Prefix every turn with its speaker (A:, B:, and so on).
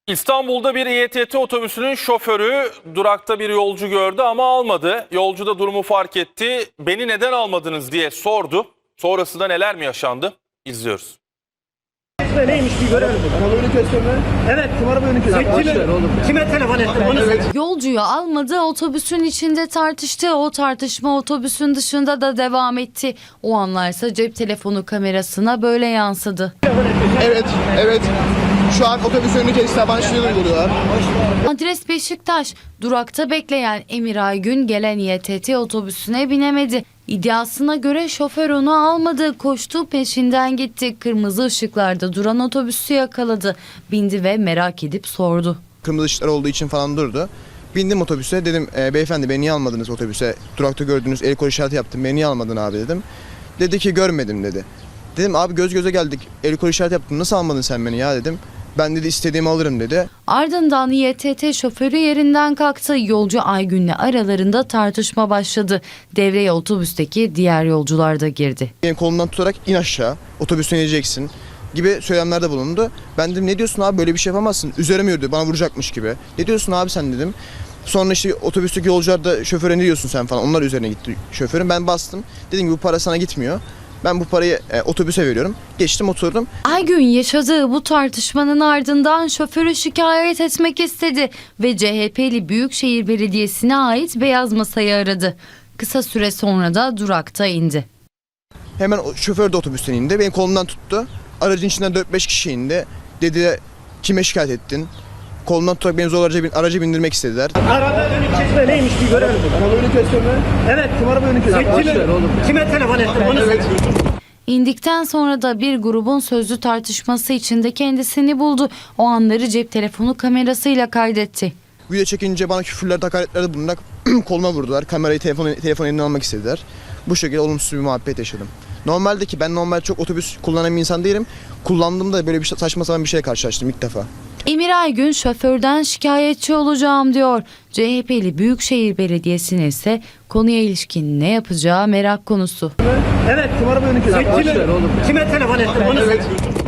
A: İstanbul'da bir İETT otobüsünün şoförü durakta bir yolcu gördü ama almadı. Yolcu da durumu fark etti. Beni neden almadınız diye sordu. Sonrasında neler mi yaşandı? İzliyoruz.
B: Neymiş bir görelim.
C: Arabanı gösterme.
B: Evet.
C: Kim arabanı gösterme?
B: Kime telefon ettin? Bunu
C: Evet.
D: Yolcuyu almadı, otobüsün içinde tartıştı. O tartışma otobüsün dışında da devam etti. O anlarsa cep telefonu kamerasına böyle yansıdı.
C: Evet. Şu an otobüs önünü kestiler. Bana şunu uyguluyorlar.
D: Adres Beşiktaş. Durakta bekleyen Emir Aygün gelen İETT otobüsüne binemedi. İddiasına göre şoför onu almadı, koştu peşinden gitti. Kırmızı ışıklarda duran otobüsü yakaladı. Bindi ve merak edip sordu.
C: Kırmızı ışıklar olduğu için falan durdu. Bindim otobüse. Dedim beyefendi beni niye almadınız otobüse? Durakta gördünüz, el kol işareti yaptım. Beni niye almadın abi dedim. Dedi ki görmedim dedi. Dedim abi göz göze geldik. El kol işareti yaptım. Nasıl almadın sen beni ya dedim. Ben dedi istediğimi alırım dedi.
D: Ardından İETT şoförü yerinden kalktı. Yolcu Aygün'le aralarında tartışma başladı. Devreye otobüsteki diğer yolcular da girdi.
C: Benim kolumdan tutarak in aşağı. Otobüsten ineceksin gibi söylemlerde bulundu. Ben dedim ne diyorsun abi böyle bir şey yapamazsın. Üzerime yürüdü bana vuracakmış gibi. Ne diyorsun abi sen dedim. Sonra işte otobüsteki yolcular da şoföre ne diyorsun sen falan. Onlar üzerine gitti şoförün. Ben bastım. Dedim ki bu para sana gitmiyor. Ben bu parayı otobüse veriyorum. Geçtim oturdum.
D: Aygün yaşadığı bu tartışmanın ardından şoförü şikayet etmek istedi ve CHP'li Büyükşehir Belediyesi'ne ait beyaz masayı aradı. Kısa süre sonra da durakta indi.
C: Hemen şoför de otobüsten indi. Benim kolumdan tuttu. Aracın içinden 4-5 kişi indi. Dedi kime şikayet ettin? Kolumdan tutarak beni zor araca bindirmek istediler.
B: araba önü kesme neymiş bir görelim.
C: Arabanı gösterme.
B: Evet.
C: Kim arabanı gösterme?
B: Kime telefon ettin? Bunu
D: İndikten sonra da bir grubun sözlü tartışması içinde kendisini buldu. O anları cep telefonu kamerasıyla kaydetti.
C: Video çekince bana küfürler, hakaretlerde bulunarak koluma vurdular. Kamerayı, telefon elinden almak istediler. Bu şekilde olumsuz bir muhabbet yaşadım. Normalde ki ben normal çok otobüs kullanan bir insan değilim. Kullandığımda böyle bir saçma sapan bir şeye karşılaştım ilk defa.
D: Emir Aygün şoförden şikayetçi olacağım diyor. CHP'li Büyükşehir Belediyesi'nin ise konuya ilişkin ne yapacağı merak konusu.
B: evet.
C: Kim arabanı gösterme?
B: Kime telefon ettin? Bunu